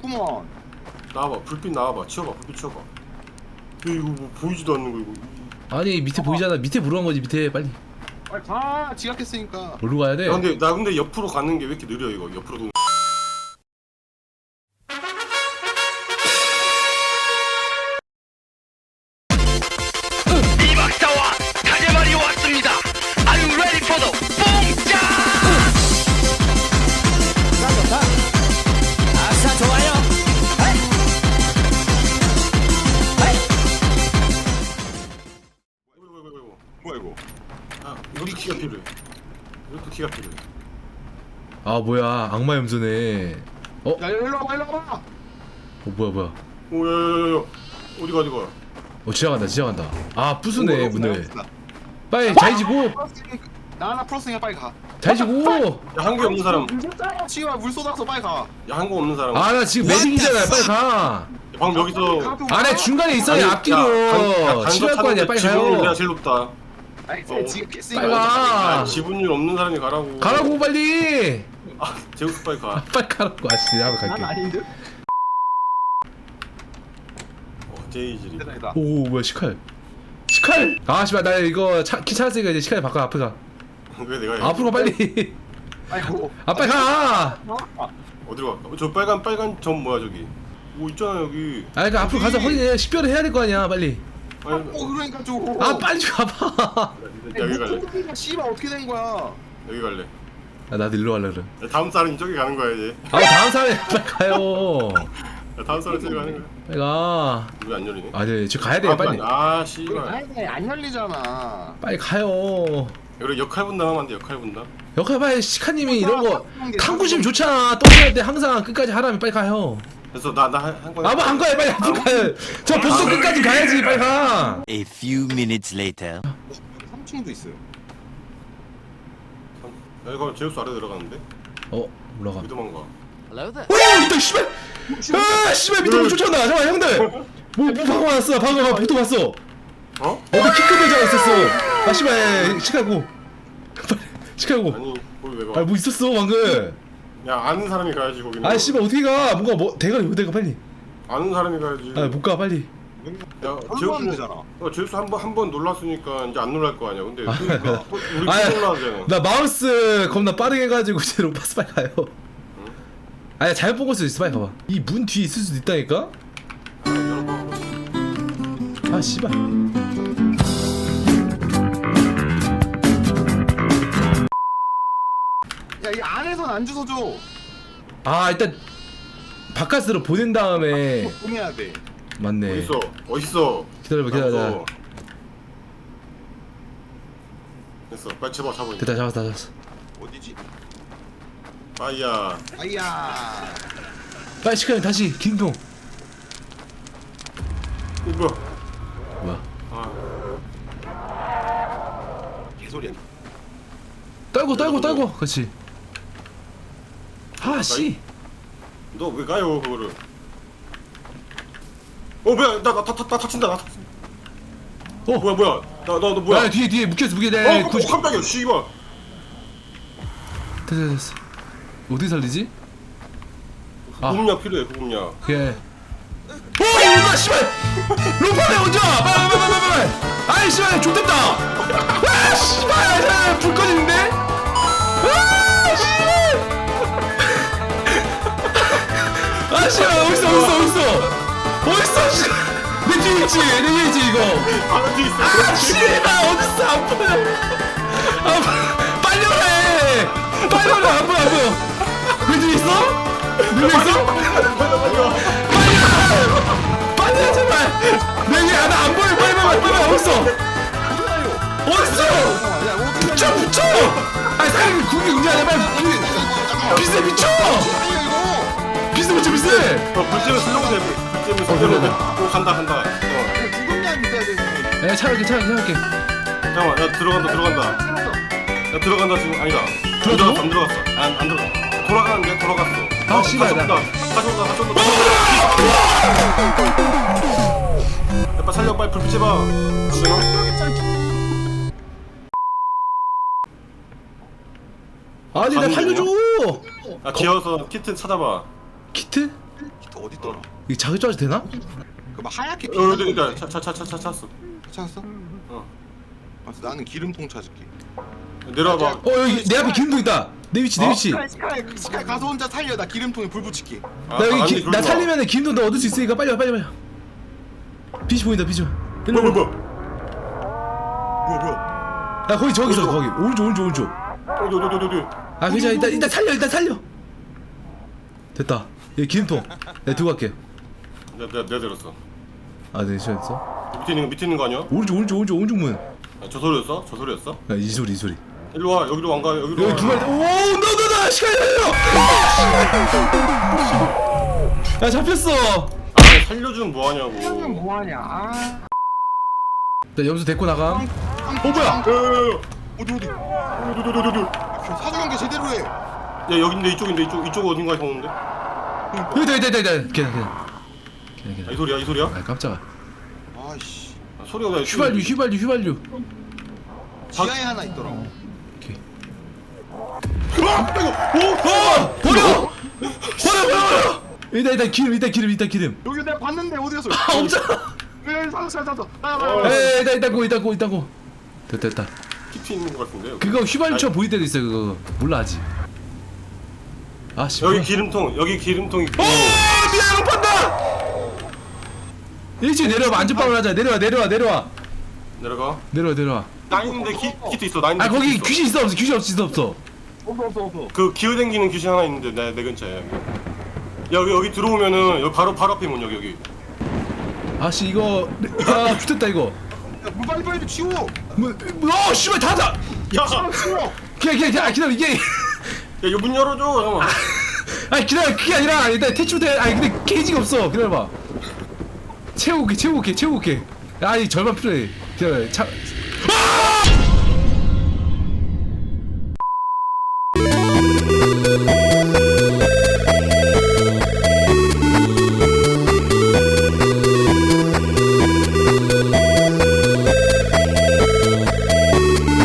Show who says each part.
Speaker 1: 있구먼.
Speaker 2: 나와봐. 불빛 나와봐. 치워봐. 불빛 치워봐. 이거 뭐 보이지도 않는 거 이거.
Speaker 3: 아니 밑에 보이잖아. 밑에 물어간 거지 밑에 빨리.
Speaker 1: 빨리 가. 지각했으니까.
Speaker 3: 뭘로 가야 돼?
Speaker 2: 나 근데 옆으로 가는 게 왜 이렇게 느려 이거. 옆으로 도는.
Speaker 4: 이 박사와 가재말이 왔습니다. Are you ready for the 뽕짜? 아싸 좋아요.
Speaker 2: 뭐야 이거? 아 이것도 키가 필요해. 이것도 키가 필요해.
Speaker 3: 아 뭐야 악마 염소네.
Speaker 1: 야 일로 와봐 일로 와봐.
Speaker 3: 뭐야.
Speaker 2: 오야야야야. 어디가?
Speaker 3: 지나간다. 아 부수네 문을.
Speaker 1: 나
Speaker 3: 빨리 자이지고.
Speaker 1: 하나 풀었으니까 빨리 가.
Speaker 3: 자이지고.
Speaker 2: 야 한국 없는 사람.
Speaker 1: 치와 물 쏟아서 빨리 가.
Speaker 2: 야 한국 없는 사람.
Speaker 3: 아 나 지금 매직이잖아. 빨리 가.
Speaker 2: 방금 여기서.
Speaker 3: 안에 중간에 있어야 앞뒤로 치료할 거 아니야. 빨리
Speaker 2: 지분율 내가
Speaker 3: 가요.
Speaker 2: 제일 높다.
Speaker 1: 아니 지각했으니까.
Speaker 3: 빨리 가.
Speaker 2: 지분율 없는 사람이 가라고.
Speaker 3: 가라고 빨리.
Speaker 2: 아 제우스 빨리 가.
Speaker 3: 빨리 가라고. 아씨 나도
Speaker 1: 난
Speaker 3: 갈게.
Speaker 1: 아닌데.
Speaker 2: 제이질이.
Speaker 1: 대단하다.
Speaker 3: 오 뭐야 시칼. 아 씨발 나 이거 키 찾았으니까 이제 시칼 바꿔 앞에 가.
Speaker 2: 왜 내가?
Speaker 3: 앞으로 가 빨리.
Speaker 1: 아이고.
Speaker 3: 아 빨리 가.
Speaker 2: 어디로 갈까? 저 빨간 점 뭐야 저기? 오 있잖아 여기.
Speaker 3: 아 그러니까 앞으로 가서 확인해. 식별을 해야 될 거 아니야 빨리.
Speaker 2: 아니,
Speaker 1: 그러니까 좀.
Speaker 3: 아 빨리 좀 가봐.
Speaker 2: 여기 갈래.
Speaker 1: 씨발 어떻게 된 거야?
Speaker 2: 여기 갈래.
Speaker 3: 아 나도 일로 갈래 그래.
Speaker 2: 야, 다음 사람이 저기 가는 거야 이제.
Speaker 3: 아 다음 사람이 빨리 가요.
Speaker 2: 야, 다음 사람 저기 가는 거야.
Speaker 3: 빨리 가.
Speaker 2: 왜 안 열리네?
Speaker 3: 아네 지금 가야 돼 빨리.
Speaker 2: 아 씨발.
Speaker 1: 아니 안 열리잖아.
Speaker 3: 빨리 가요.
Speaker 2: 여기 역할 분담하면 안 돼. 역할 분담.
Speaker 3: 역할 봐야 시카님이 이런 거 탐구심 좋잖아. 똥할 때 항상 끝까지 하라면 빨리 가요.
Speaker 2: 그래서 나한 거야.
Speaker 3: 아뭐 안 가요 빨리 앞으로 가요. 저 보스 끝까지 가야지 빨리 가.
Speaker 5: A few minutes later.
Speaker 1: 3층도 있어요.
Speaker 2: 여기 가면 제우스 아래 들어가는데?
Speaker 3: 올라가.
Speaker 2: 왜 도망가?
Speaker 3: 오 있다 씨발. 아 씨발 밑으로 쫓아온다. 잠깐 형들. 뭐 방금 왔어. 방금 보트 왔어.
Speaker 2: 어?
Speaker 3: 어디 키 큰 여자가 있었어. 아 씨발 시카고. 빨리 시카고.
Speaker 2: 아니 거기 왜 가?
Speaker 3: 아 뭐 있었어 방금.
Speaker 2: 야 아는 사람이 가야지 거기는.
Speaker 3: 아 씨발 어떻게 가? 뭔가 뭐 대가리 어디가 빨리.
Speaker 2: 아는 사람이 가야지.
Speaker 3: 아 못 가 빨리.
Speaker 2: 야
Speaker 1: 제우스는 되잖아.
Speaker 2: 제우스 한 번 놀랐으니까 이제 안 놀랄 거 아니야. 근데
Speaker 3: 그러니까.
Speaker 2: 우리
Speaker 3: 아니,
Speaker 2: 놀라잖아.
Speaker 3: 나 마우스 겁나 빠르게 해가지고 제 로파스 빨리 가요. 아니 잘못 본 걸 수도 있어. 빨리 가봐. 이 문 뒤에 있을 수도 있다니까. 아 씨발.
Speaker 1: 야 이 안에선 안 주워줘.
Speaker 3: 아 일단 바깥으로 보낸 다음에
Speaker 1: 보내야 돼.
Speaker 3: 맞네.
Speaker 2: 어딨어?
Speaker 3: 기다려봐 기다려.
Speaker 2: 됐어. 빨리 잡아.
Speaker 3: 됐다 잡았어.
Speaker 1: 어디지?
Speaker 2: 아이야.
Speaker 1: 아이야.
Speaker 3: 빨리 시카님 다시 긴통.
Speaker 2: 뭐야?
Speaker 3: 뭐야?
Speaker 2: 아
Speaker 1: 개소리야.
Speaker 3: 떨고. 그렇지. 아 씨.
Speaker 2: 너 왜 가요 그거를? 뭐야? 나 다친다. 나 다친다. 뭐야? 너 뭐야?
Speaker 3: 아 뒤에 묶였어.
Speaker 2: 깜짝이야. 씨발.
Speaker 3: 됐어. 어디 살리지?
Speaker 2: 구급약 필요해. 구급약.
Speaker 3: 그래. 나 씨발! 로파에 혼자! 빨리! 아이 씨발 좋댔다! 아 씨발! 불 꺼지는데? 아 씨발! 아 씨발 어딨어 씨발! 내 뒤에 있지 이거!
Speaker 2: 아 뒤에 있어.
Speaker 3: 아 씨발 어딨어 안 보여! 빨리 오래! 안 보여! 내 뒤에 있어? 빨리 제발! 내게 하나 안 보여! 빨리 어딨어? 붙여! 아니 사장님 국이 응대하냐 빨리 비세 미쳐! 비세 붙여 비세!
Speaker 2: 불잼을 쓰려고 돼. 불잼을 쓰려고 돼. 간다.
Speaker 1: 구급약 있어야 되는데.
Speaker 3: 야 차갈게
Speaker 2: 잠깐만. 야 들어간다 지금. 아니다.
Speaker 3: 들어갔어?
Speaker 2: 안 들어갔어. 안 들어갔어. 돌아갔어.
Speaker 3: 아, 씨발, 나.
Speaker 2: 가져온다. 야, 빨리 살려. 빨리 불빛 해봐. 안 되나?
Speaker 3: 아니 나 살려줘!
Speaker 2: 기어서 키트 찾아봐.
Speaker 3: 키트?
Speaker 1: 어딨더라?
Speaker 3: 이거 자기 짜도 되나?
Speaker 1: 그 막 하얗게
Speaker 2: 그러니까 차 찾았어.
Speaker 1: 찾았어?
Speaker 2: 어.
Speaker 1: 알았어, 나는 기름통 찾을게.
Speaker 2: 내려와봐.
Speaker 3: 여기 내 앞에 기름통 있다. 내 위치 내 위치.
Speaker 1: 스카이 가서 혼자 살려. 나 기름통에 불 붙일게.
Speaker 3: 나 여기 나 살리면 기름통 너 얻을 수 있으니까 빨리 와 빨리 와. 빛이 보인다 빛이. 일로 와.
Speaker 2: 뭐야?
Speaker 1: 뭐야?
Speaker 3: 야 거기 저기 있어 거기 오른쪽.
Speaker 2: 어디.
Speaker 3: 아 괜찮아 일단 살려. 됐다. 여기 기름통. 내가 두고 갈게.
Speaker 2: 내가 들었어.
Speaker 3: 아 네 시작했어.
Speaker 2: 밑에 있는 거 아니야?
Speaker 3: 오른쪽 문.
Speaker 2: 아, 저 소리였어?
Speaker 3: 야 이 소리.
Speaker 2: 일로 와. 여기로 안 가. 여기로
Speaker 3: 여기
Speaker 2: 와.
Speaker 3: 두 마리. 오너너너 시간이 걸려. 야 잡혔어.
Speaker 2: 아, 살려주면 뭐 하냐고.
Speaker 1: 뭐하냐?
Speaker 3: 나 염소 데리고 나가. 뭐야?
Speaker 1: 어디?
Speaker 2: 어디.
Speaker 1: 사주 경계 제대로 해.
Speaker 2: 야, 여긴데 이쪽 어딘가에 오는데?
Speaker 3: 여기다. 걔나.
Speaker 2: 아, 이 소리야?
Speaker 3: 아 깜짝아.
Speaker 1: 아이씨.
Speaker 2: 아, 소리가 왜?
Speaker 3: 휘발유.
Speaker 1: 지하에 하나 있더라.
Speaker 3: 오케이.
Speaker 2: 버려!
Speaker 3: 일단 기름.
Speaker 1: 여기 내가 봤는데 어디 갔어?
Speaker 3: 아 없잖아.
Speaker 1: 찾았어.
Speaker 3: 일단 고. 됐다.
Speaker 2: 키트 있는 거 같은데. 여기.
Speaker 3: 그거 휘발유처럼 보일 때도 있어 그거. 몰라 아직. 아씨.
Speaker 2: 여기 기름통 있고.
Speaker 3: 미안 판다. 일찍 내려와 안전빵을 하자. 내려와.
Speaker 2: 내려가. 나 있는데 키트 있어. 나 있는데.
Speaker 3: 아 거기
Speaker 2: 키트 있어.
Speaker 3: 귀신 있어 없어.
Speaker 1: 없어.
Speaker 2: 그 기어댕기는 귀신 하나 있는데 내 근처에. 여기 들어오면은 여기 바로 앞에 문 여기.
Speaker 3: 아씨 이거 죽겠다 이거.
Speaker 1: 물 빨리 치워.
Speaker 3: 씨발 닫아.
Speaker 2: 야,
Speaker 1: 치워.
Speaker 3: 기다려 이게.
Speaker 2: 야, 이거 문 열어줘. 잠깐만.
Speaker 3: 아니 기다려 그게 아니라 일단 퇴출돼. 아니 근데 게이지가 없어. 기다려봐. 채워올게. 아니 절반 필요해. 기다려.